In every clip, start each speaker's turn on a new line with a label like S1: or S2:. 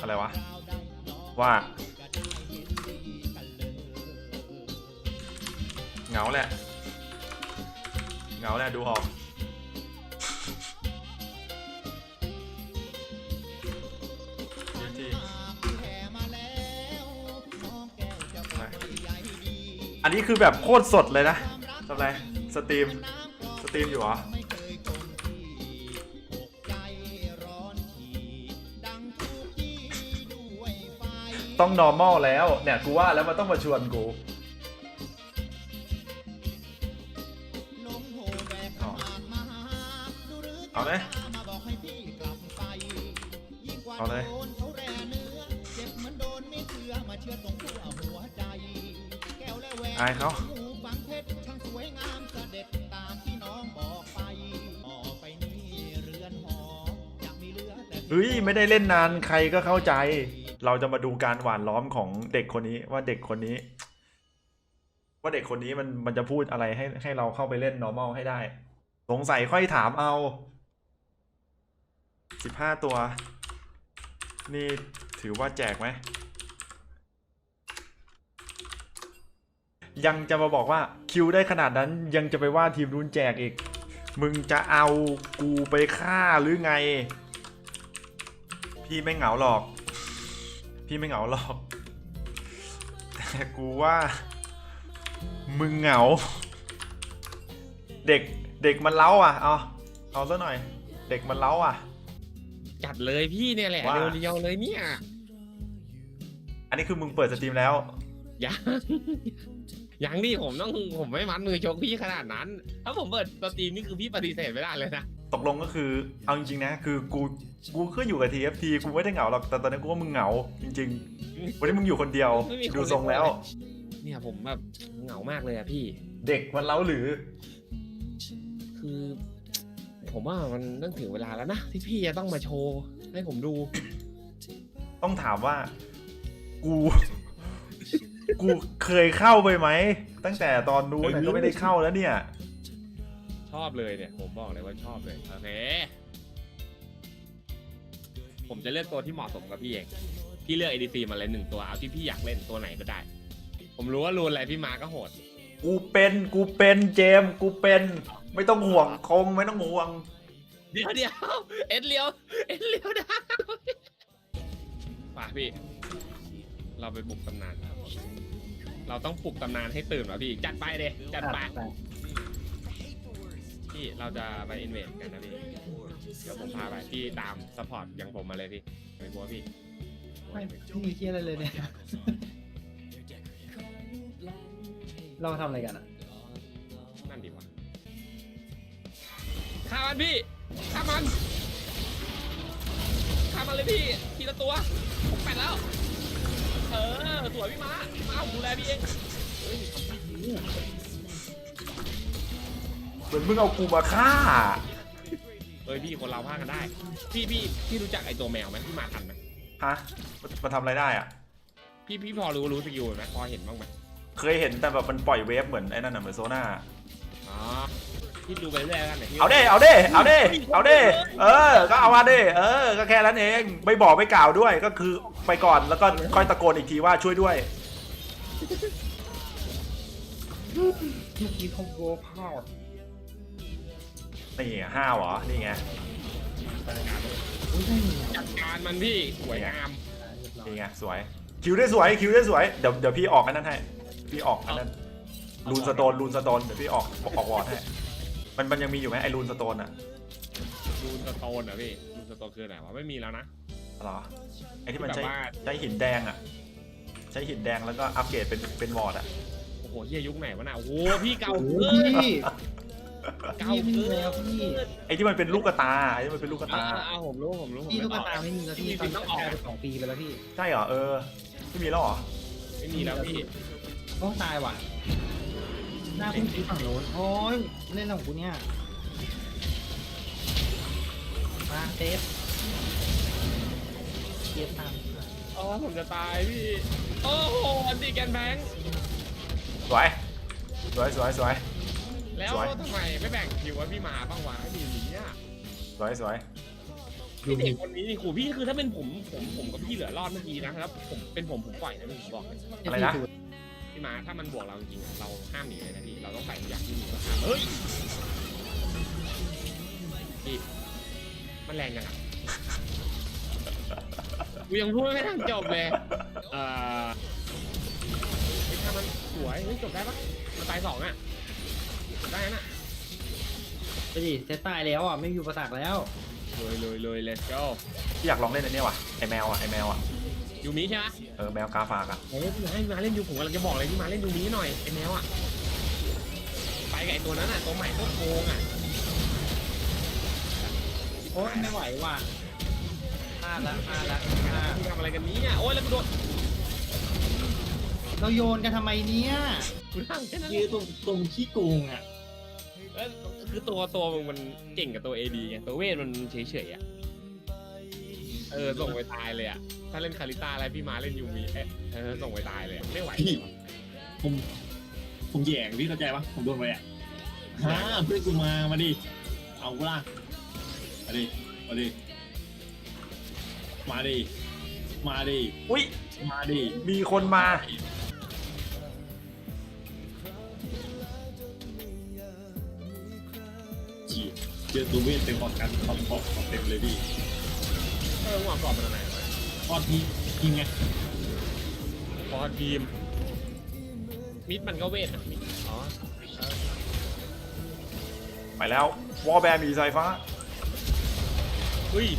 S1: อะไรวะว่าเหงาแหละเหงาแหละดูออกอันนี้คือแบบโคตรสดเลยนะทำไรสตรีมอยู่เหรอต้อง normal แล้วเนี่ยกูว่าแล้วมันต้องมาชวนกูเอาเลยเอาเลยอายเขาเฮ้ยไม่ได้เล่นนานใครก็เข้าใจเราจะมาดูการหว่านล้อมของเด็กคนนี้ว่าเด็กคนนี้มันจะพูดอะไรให้เราเข้าไปเล่น normal ให้ได้สงสัยค่อยถามเอา15ตัวนี่ถือว่าแจกไหมยังจะมาบอกว่าคิวได้ขนาดนั้นยังจะไปว่าทีมนู้นแจกอีกมึงจะเอากูไปฆ่าหรือไงพี่ไม่เหงาหรอกแต่กูว่ามึงเหงาเด็กมันเล้าอ่ะเอาซะหน่อยเด็กมันเล้าอ่ะ
S2: จัดเลยพี่เนี่ยแหละเรียวๆเลยเนี่ย
S1: อันนี้คือมึงเปิดสตรีมแล้ว
S2: ยังดิผมไม่มัดมือชกพี่ขนาดนั้นถ้าผมเปิดสตรีมนี่คือพี่ปฏิเสธไม่ได้เลยนะ
S1: ตกลงก็คือเอาจริงๆนะคือกูก็อยู่กับ TFT กูไม่ได้เหงาหรอกแต่ตอนนี้กูว่ามึงเหงาจริงๆวันนี้มึงอยู่คนเดียวดูทรงแล้ว
S2: เนี่ยผมแบบเหงามากเลยอะพี่
S1: เด็กมันเล้าหรือ
S2: คือผมว่ามันต้องถึงเวลาแล้วนะที่พี่จะต้องมาโชว์ให้ผมดู
S1: ต้องถามว่ากูเคยเข้าไปไหมตั้งแต่ตอนนู้นก็ไม่ได้เข้าแล้วเนี่ย
S2: ชอบเลยเนี่ยผมบอกเลยว่าชอบเลยโอเคผมจะเลือกตัวที่เหมาะสมกับพี่เองพี่เลือก ADC มาเลย1ตัวเอาที่พี่อยากเล่นตัวไหนก็ได้ผมรู้ว่ารูนอะไรพี่มาก็โหด
S1: กูเป็นเจมกูเป็นไม่ต้องห่วงคมไม่ต้องห่วง
S2: เดี๋ยวเอ็ดเลี้ยวนะป่ะพี่เราไปบุกตำนานเราต้องปลุกตำนานให้ตื่นว่ะพี่จัดไปเลยจัดไปพี่เราจะไปอินเวสกันนะพี่เดี๋ยวผมพาไปพี่ตามซัพพอร์ตอย่างผมมาเลยพี่ไม่กลัวพี่
S3: ไม่มีเคี้ยอะไรเลยเนี่ยเราทำอะไรกันอ่ะ
S2: นั่นดีวะฆ่ามันพี่ฆ่ามันเลยพี่ทีละตัวผมแปดแล้วสวยพี่มาผมดูแลพี่เอง
S1: เหมือนมึงเอากูมาฆ่า
S2: พี่คนเราพากันได้พี่รู้จักไอตัวแมวไหมพี่มาทันไหม
S1: ฮะมันทำอะไรได้อ่ะ
S2: พี่พอรู้สกิลไหมพอเห็นบ้างไหม
S1: เคยเห็นแต่แบบมันปล่อยเวฟเหมือนไอ้นั่นน่ะเหมือนโซน่า
S2: พี่ดูไปเรื่อยกัน
S1: เอาดิก็เอามาดิก็แค่นั้นเองไม่บอกไม่กล่าวด้วยก็คือไปก่อนแล้วก็ค่อยตะโกนอีกทีว่าช่วยด้วย
S3: เมื่อกี้เขาโบว์พาว
S1: นี่ห้าวเหรอนี่ไง
S2: จัดการมันพี่สวยงาม
S1: นี่ไงสวยคิวได้สวยเดี๋ยวพี่ออกอันนั้นให้พี่ออกอันนั้นรูนสโตนเดี๋ยวพี่ออกวอร์ดให้มันยังมีอยู่ไหมไอรูนสโตนอะ
S2: รูนสโตนอะพี่รูนสโตนคือไหนวะไม่มีแล้วนะ
S1: หรอไอที่มันใช้หินแดงอะใช้หินแดงแล้วก็อัปเกรดเป็นวอร์ดอะ
S2: โอ้โหเฮียยุคไหนวะน่ะโอ้โหพี่เก่า
S3: เก่าแล้วพี่
S1: ไอที่มันเป็นลูกกระตา
S2: ผมรู้
S3: พี่ลูกกระตาไม่มีแล้วพี่ต้องออกไป2 ปีไปแล้วพี่
S1: ใช่เหรอไม่มีแล้วเหรอ
S2: ไม่มีแล้วพี่
S3: ต้องตายว่ะหน้าคุณตีฝั่งโน้นโอ้ยเล่นของกูเนี่ยมาเซฟตาม
S2: ผมจะตายพี่โอ้โหอันตีแกนแบง
S1: สวย
S2: แล้วทำไมไม่แบ่งคิวว่าพี่มาบ้างวะไอ้ดีนี้
S1: สวย
S2: พี่เด็กคนนี้นี่ขู่พี่คือถ้าเป็นผมกับพี่เหลือรอดเมื่อกี้นะครับผมเป็นผมปล่อยนะผมบอกเลย
S1: อะไรนะ
S2: พี่มาถ้ามันบวกเราจริงๆเราห้ามหนีเลยนะพี่เราต้องใส่อย่างที่มีก็ห้ามเฮ้ยพี่มันแรงยังไงกูยังพูดไม่ทันจบเลยถ้ามันสวยเฮ้ยจบได้ปะมันตาย2อ่ะจบได้นะ
S3: ไปดิเซตตายแล้วอ่ะไม่มีอุปสรรคแล้ว
S2: เลย let's go
S1: พี่อยากลองเล่นอันนี้ว่ะไอแมวอ่ะ
S2: ยูมิใช่ไหม
S1: แมวกาฝากอ่ะ
S2: เฮ้ยพี่มาเล่นยูผมกำลังจะบอกเลยพี่มาเล่นยูมิหน่อยไอ้แมวอ่ะไปกับไอ้ตัวนั้นอ่ะตัวใหม่ตัวโกงอ่ะ
S3: โอ้ยไม่ไหวว่ะพลาดละ
S2: มึงทำอะไรกันเนี้โอ้ยแล้วกูโดน
S3: เราโยนกันทำไมเนี่ย
S2: กูทำแค่นั้น
S3: ยืนตรงขี้โกงอ่ะ
S2: คือตัวมึงมันเก่งกับตัว AD ไงตัวเวทมันเฉยๆอ่ะส่งไปตายเลยอ่ะถ้าเล่นคาริต้าอะไรพี่มาเล่นยูมิส่งไปตายเลยไม่ไหว
S4: พี่ผมแย่งพี่เข้าใจปะผมโดนไปอ่ะเพื่อนกูมาดิเอาล่ะมาดิมาดิ
S1: อุ้ย
S4: มาดิ
S1: มีคนมา
S4: จีเจอตัวเวทเต็มพอกันของเต็มเลยพี่
S2: หัวกรอบมันอะไร
S4: พอทีมไง
S2: พอทีมมิดมันก็เวทมิดอ๋อ
S1: ไปแล้ววอลแบร์มีสายฟ้า
S2: อุ้ย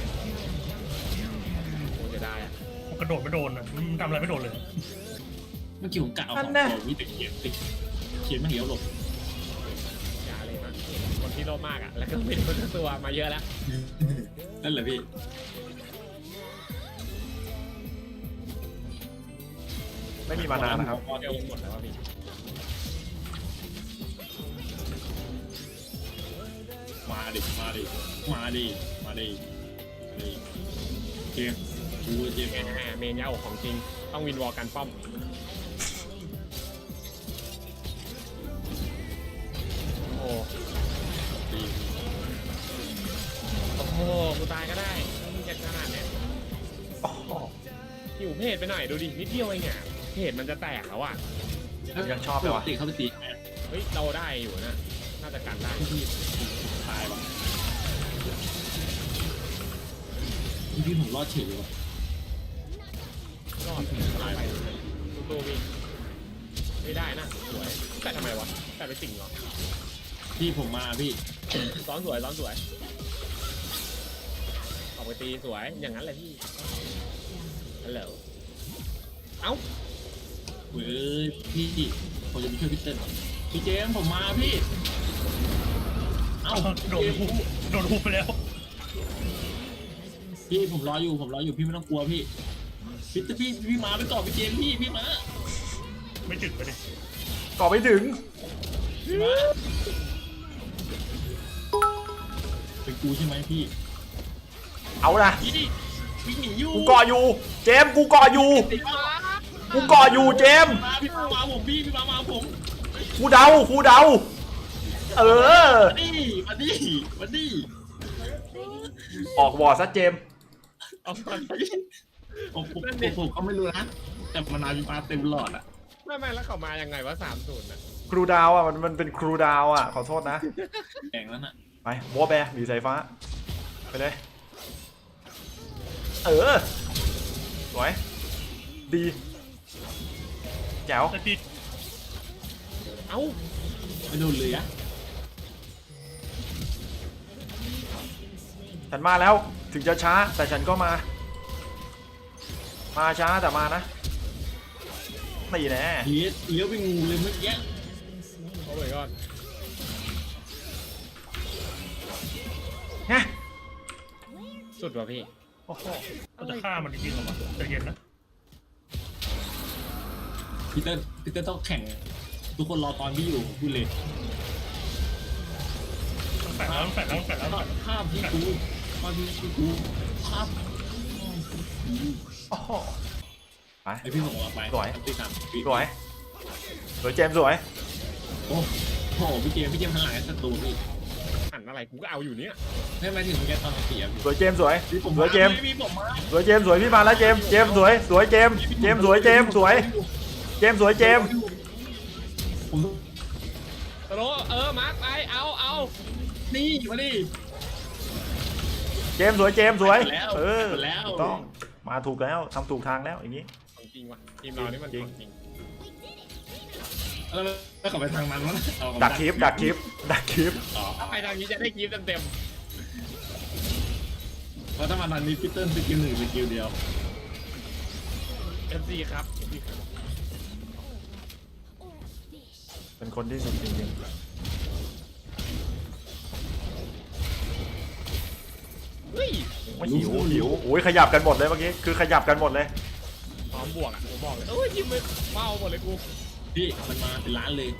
S2: โอ้จะได้อะ
S5: กระโดดไม่โดนอ่ะมันทำอะไรไม่โดนเลย
S4: เมื่อกี้ผมกะเอาของตัววิแต่เขียนไม่เหี้ยวหลบ
S2: อย่าเลยนะคนที่โลภมากอ่ะแล้วก็เป็นคนตัวมาเยอะแล้ว
S4: นั่นแหละพี่
S1: ไม่มีมานานนะครับ
S2: เดี๋ยวหมดแล้วพี่
S4: มาดิเกมกูเกม
S2: เมนยาอกของจริงต้องวินวอลกันป้อมโอ้โหกูตายก็ได้มึงจะขนาดเนี้ยหิวเพจไปหน่อยดูดินิดเดียวเองอ่ะเพจมันจะแตกแล้วอ่ะ
S1: ยังชอบเลยว่ะ
S4: ติเข้าไปตี
S2: เฮ้ยเราได้อยู่นะน่าจะกันได้
S4: ตายว่ะพี่ผมรอดเฉยเลยว่ะ
S2: รอดตายไปตู้วิ่งไม่ได้นะสวยแต่ทำไมวะแต่ไปสิงเหรอ
S4: พี่ผมมาพี่
S2: ซ้อนสวยออกไปตีสวยอย่างนั้นเลยพี่ฮัลโหลเอ้า
S4: เว้ยพี่ผมจะไปช่วยพี่เติ้ลพี่เจมส์ผมมาพี่เอ้า
S5: โดนหุบไปแล้ว
S4: พี่ผมรออยู่พี่ไม่ต้องกลัวพี่พี่มาไปต่อพี่เจมส์พี่มา
S5: ไม่ถึงไปดิ
S1: ก่อไม่ถึง
S4: พี่มาเป็นกูใช่ไหมพี่
S1: เอานะ
S4: พี่วิ่งหนีอยู่
S1: กูเกาะอยู่เจมส์กูเกาะอยู่
S4: ติดมา
S1: กูเกาะอยู่เจมส์
S4: มาพี่มาผมพี่มาผม
S1: กูเดาเออ
S4: มาดิ
S1: ออกวอร์ดซะเจมส์
S2: เอาก่อน
S4: ผมก็ไม่รู้นะแต่มันนามาเต็มหลอดอ่ะ
S2: ไม่แล้วเขามายังไงวะ30น่ะ
S1: ครูดาวอ่ะมันเป็นครูดาวอ่ะขอโทษนะ
S4: แข่งแล้วน่ะ
S1: ไปวอลแบร์มีสายฟ้าไปเลยสวยดีแจ๋ว
S5: แต่ติด
S2: เอ้า
S4: ไม่โดนเลยอ่ะ
S1: ฉันมาแล้วถึงจะช้าแต่ฉันก็มาช้าแต่มานะนี่แน่
S4: เลี้ยวไปงูเลยเมื่อกี้
S2: โอ้ยก่อน
S1: ไง
S2: สุดว่ะพี่
S1: โอ้โห
S5: ก็จะฆ่ามันจริงๆหรอวะใจเย็นนะ
S4: พี่เติ้ลต้องแข่งทุกคนรอตอนพี่อยู่พูดเลย
S5: ต้องแฝงแล้ว
S4: ภาพที่กูภาพภาพ
S1: โอ้โหไป
S4: ไอพี่ส่งมาไป
S1: สวย
S4: พี่ทำ
S1: สวยเจมส์สวย
S4: โอ้โหพี่เจมส์หันหลังให้ศัตรูพี่
S2: หันอะไรกูก็เอาอยู่เนี่ย
S4: ไม่หมายถึงแกตอนเสีย
S1: สวยเจมส์สวย
S4: พี่ผม
S1: สวยเจมส์
S4: พี่ผมมา
S1: สวยเจมส์สวยพี่มาแล้วเจมส์เจมส์สวยสวยเจมส์เจมส์สวยเจมส์สวยเจมส์สวยเจมส์
S4: ผม
S2: ตโลมาร์คไปเอา
S4: นี่มาดิ
S1: เจมส์สวยเจมส์สวย
S4: แล้ว
S1: เออ
S4: แล้ว
S1: ถูกต้องมาถูกแล้วทำถูกทางแล้วอย่างนี้
S2: ของจริงว่ะทีมเรานี่มันของจริง
S4: แล้วขับไปทางนั้นวะ
S1: ดักคลิปดักคลิปดักคลิป
S4: อ๋อ
S2: ถ้าไปทางนี้จะได้คลิปเต็ม
S4: เพราะถ้ามาทางนี้พีเตอร์สกิลหนึ่งสกิลเดียว
S2: ๆ MC ครับ
S1: เป็นคนที่สุดจริง
S2: เฮ้ย
S1: ๆไม่หิวหิวโอ้ยขยับกันหมดเลยเมื่อกี้คือขยับกันหมดเลย
S2: พร้อมบวกอ่ะผมบอกเลยยิงไปเป้าหมดเลยกู
S4: พี่มันมาเป็นล้านเลย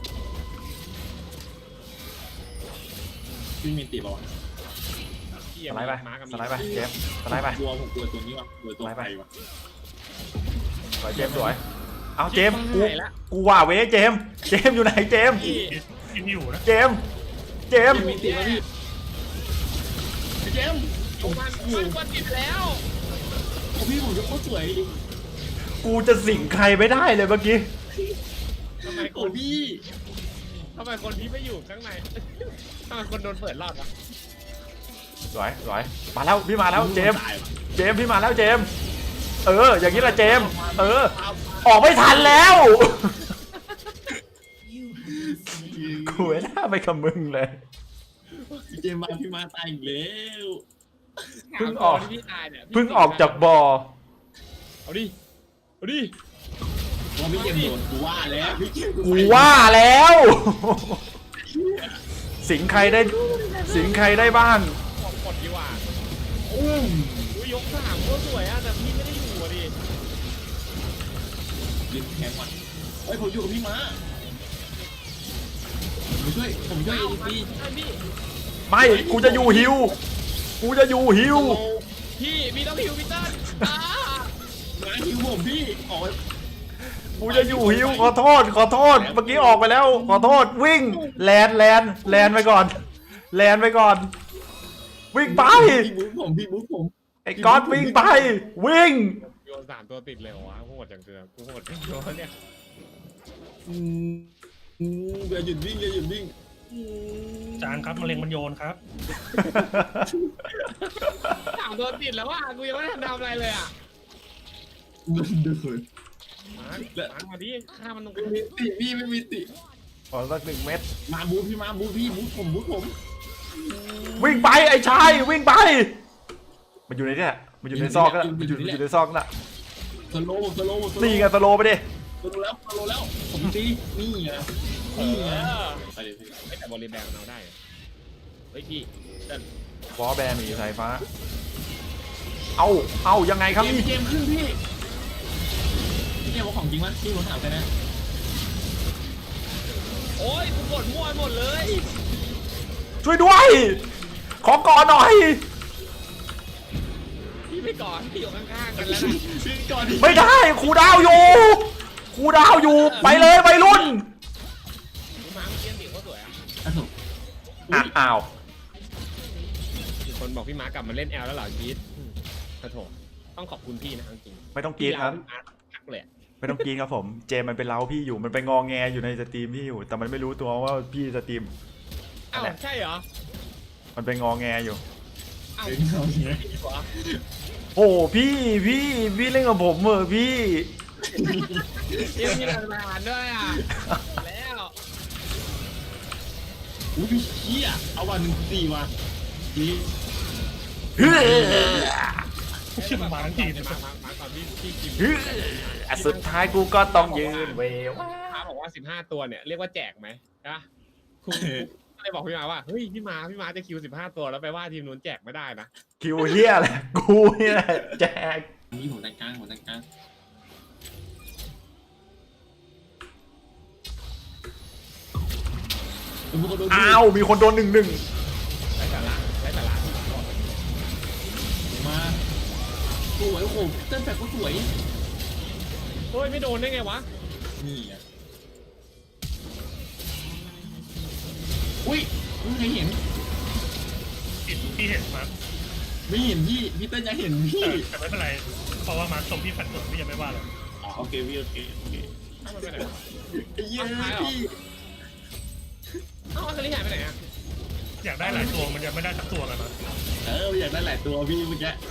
S4: พี่มีตีบอกว่า
S1: สไลด์ไป
S2: มากับ
S1: สไลด์ไปเจมส์สไลด์ไป
S4: กลัวผมกลัวตัวนี้ว่ะกลัวตัวไฟว่ะ
S1: สวยเจมส์สวยเอาเจมส์กูว่าเว้ยเจมส์เจมส์อยู่ไหนเจมส์
S5: กินอยู่นะ
S1: เจมส์เจมส์
S4: มีตีแล้วพี่เจมส์
S2: มันกดติดแล้ว
S4: พี่ผมจะโคตรสวย
S1: กูจะสิงใครไม่ได้เลยเมื่อกี้
S2: ทำไมค
S4: โอ้
S2: น
S4: พี่
S2: ที่ไม่อยู่ข้างใน ทำไมคนโดนเปิดรอดวะ
S1: สวยสวยมาแล้วพี่มาแล้วเจมส์เจมส์พี่มาแล้วเจมส์อย่างนี้แหละเจมส์ออกไม่ทันแล้วกูไม่น่าไปกับมึงเลย
S4: เจมส์มาพี่มาตายอีกแล้ว
S1: เพิ่งออก
S2: ที่พี่ตายเนี่ย
S1: เพิ่งออกจากบ่อ
S2: เอาดิ
S4: ว่าพี่เจมส์โดนกูว่าแล้วพี่เจมส์
S1: กูว่าแล้ว สิงใครได้สิงใครได้บ้าง
S2: กดดีกว่า
S4: อุ้ม
S2: ยก3ก็สวยอ่ะแต่พี่ไม่ได้อยู่อ่ะดิ
S4: ยืนแข็งว่ะเฮ้ยผมอยู่กับพี่ม้าผมช่วยเอดีซี
S2: พี่
S1: ไม่กูจะอยู่ฮิวกูจะอยู่ฮิว
S2: พี่ต้องฮิวพี่เติ้ล
S4: ม้าฮิวผมพี่ออก
S1: กูจะอยู่ฮิวขอโทษเมื่อกี้ออกไปแล้วขอโทษวิ่งแลนไปก่อนแลนไปก่อนวิ่งไป
S4: พี่บุ๊คผม
S1: ไอ้ก๊อตวิ่งไปวิ่ง
S2: โยน3 ตัวติดเลยเหรอวะโหดจังเกินกูโหดจังโยนเนี่ย
S4: อย่าหยุดวิ่ง
S5: จานครับมะเร็งมันโยนครับ
S2: 3 ตัวติดแล้วว่ะกูยังไม่ได้ทำอะไรเลยอ่ะ
S4: เดิน
S2: มาดิฆ่ามันตรง
S4: ไม่มีติพี่ไม่มีติ
S1: ขอสัก1 เม็ด
S4: มาบูพี่บูผม
S1: วิ่งไปไอ้ชายวิ่งไปมันอยู่ในเนี่ยมันอยู่ในซอกนั่นมันอยู่ในซอกนั่น
S4: สโลว์
S1: นี่ไงสโลไปดิ
S4: สโลแล้วผมตีนี่ไงไปเลยพี่
S2: แต่บอลลีแบงมันเอาได้เฮ้ยพี่เติ้ล
S1: วอลแบนหนีสายฟ้าเอายังไงครับนี่
S4: เกมขึ้นพี่เกมว่าของจริงมั้ยพี่ผมถามไปนะ
S2: โอ้ยกูกดมั่วหมดเลย
S1: ช่วยด้วยขอก่อนหน่อย
S2: พี่ไปก่อนพี่อยู่ข้างๆกันแล้วนะ
S4: พี่ก่อนดิ
S1: ไม่ได้ครูดาวอยู่ไปเลยไปรุ่น
S2: พี่มาร์คเกียนติเขาสวยอ่ะ
S1: อ้าว
S2: มีคนบอกพี่มาร์คกลับมาเล่นแอลแล้วเหรอพีทขอโทษต้องขอบคุณพี่นะจริง
S1: ไม่ต้องกรีดครับ
S2: พี่มาร์คทักเลย
S1: ไม่ต้องกรีดครับผมเจมมันเป็นเล้าพี่อยู่มันไปงอแงอยู่ในสตรีมพี่อยู่ แต่มันไม่รู้ตัวว่าพี่สตรีม
S2: อ้าวใช่เหรอ
S1: มันไปงอแงอยู่
S2: อ้าว
S4: เเอาอย่างเงี้ย
S2: พี่วะ
S1: โอ้พี่เล่นกับผมเหรอพี่
S2: ยังมีหลักฐานด้วยอ่ะแล้ว
S4: อุ้ยพี่เชี่ยเอาวัน1-4ว่ะนี่
S1: เฮ้ย
S5: ชื่อมาทั้งทีม
S2: มาก่อนพี่กิม
S1: สุดท้ายกูก็ต้องยืนเวว
S2: มาบอกว่า15 ตัวเนี่ยเรียกว่าแจกไหมนะคุณก็เลยบอกพี่มาว่าเฮ้ยพี่มาจะคิว15 ตัวแล้วไปว่าทีมนู้นแจกไม่ได้นะ
S1: คิวเฮียแหละกูเนี่ยแจก
S4: นี่ผมแต่งกลาง
S1: อ้าวมีคนโดน1-1
S2: ไร้สาระ
S4: มาสวยโอ้โหเต้นแบบก็สวย
S2: เฮ้ยไม่โดนได้ไงวะ
S4: นี่อ่ะอุ้ยไม่เคยเห็น
S5: พี่เห็นมาร์ค
S4: ไม่เห็นพี่เต้นยังเห็นพี่
S5: แต่ไม่เป็นไรเพราะว่ามาร์คชมพี่แฟนสดพี่ยังไม่ว่าเลย
S4: อ๋อโอเคพี่โอเค
S2: เอ้ามันไปไหนวะ
S4: ไอ้เหี้ยพี่
S2: เอ้าอาคาริหายไปไหนอะ
S5: อยากได้หลายตัวมันยังไม่ได้สักตัวเลยนะ
S4: อยากได้หลายตัวพี่เมื่อกี้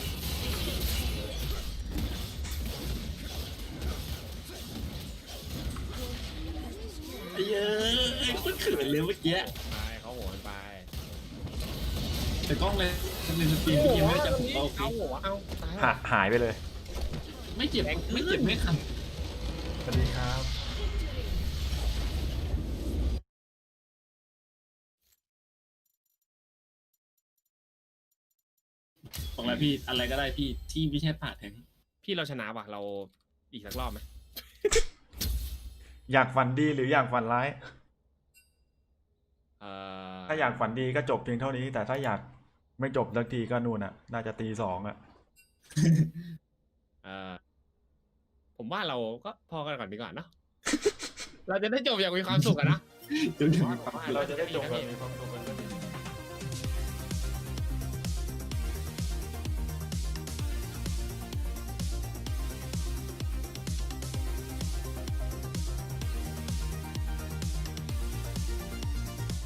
S4: ไอ้เหี้ยโคตรเขินเลยเมื่อกี้
S2: ไปเขาโหนไป
S4: แต่กล้องเลยในสตรีมพี่ยังไม่ได้จับผมก็โอเค
S2: เอาหัวเอาตาย
S1: หายไปเลย
S4: ไม่เจ็บไม่คัน
S1: สวัสดีครับ
S4: ของอะไรพี่อะไรก็ได้พี่ที่ไม่ใช่ผ่าแทง
S2: พี่เราชนะว่ะเราอีกสักรอบไหม
S1: อยากฝันดีหรืออยากฝันร้าย
S2: เอ่อ
S1: ถ้าอยากฝันดีก็จบเพียงเท่านี้ แต่ถ้าอยากไม่จบสักทีก็นู่นอ่ะ น่าจะตี 2อ่ะ
S2: เอ่อผมว่าเราก็พอกันก่อนดีกว่าเนาะ เราจะได้จบอย่างมีความสุขอะนะ
S4: จนถึง
S1: เราจะได้จบแบบมีความสุขกัน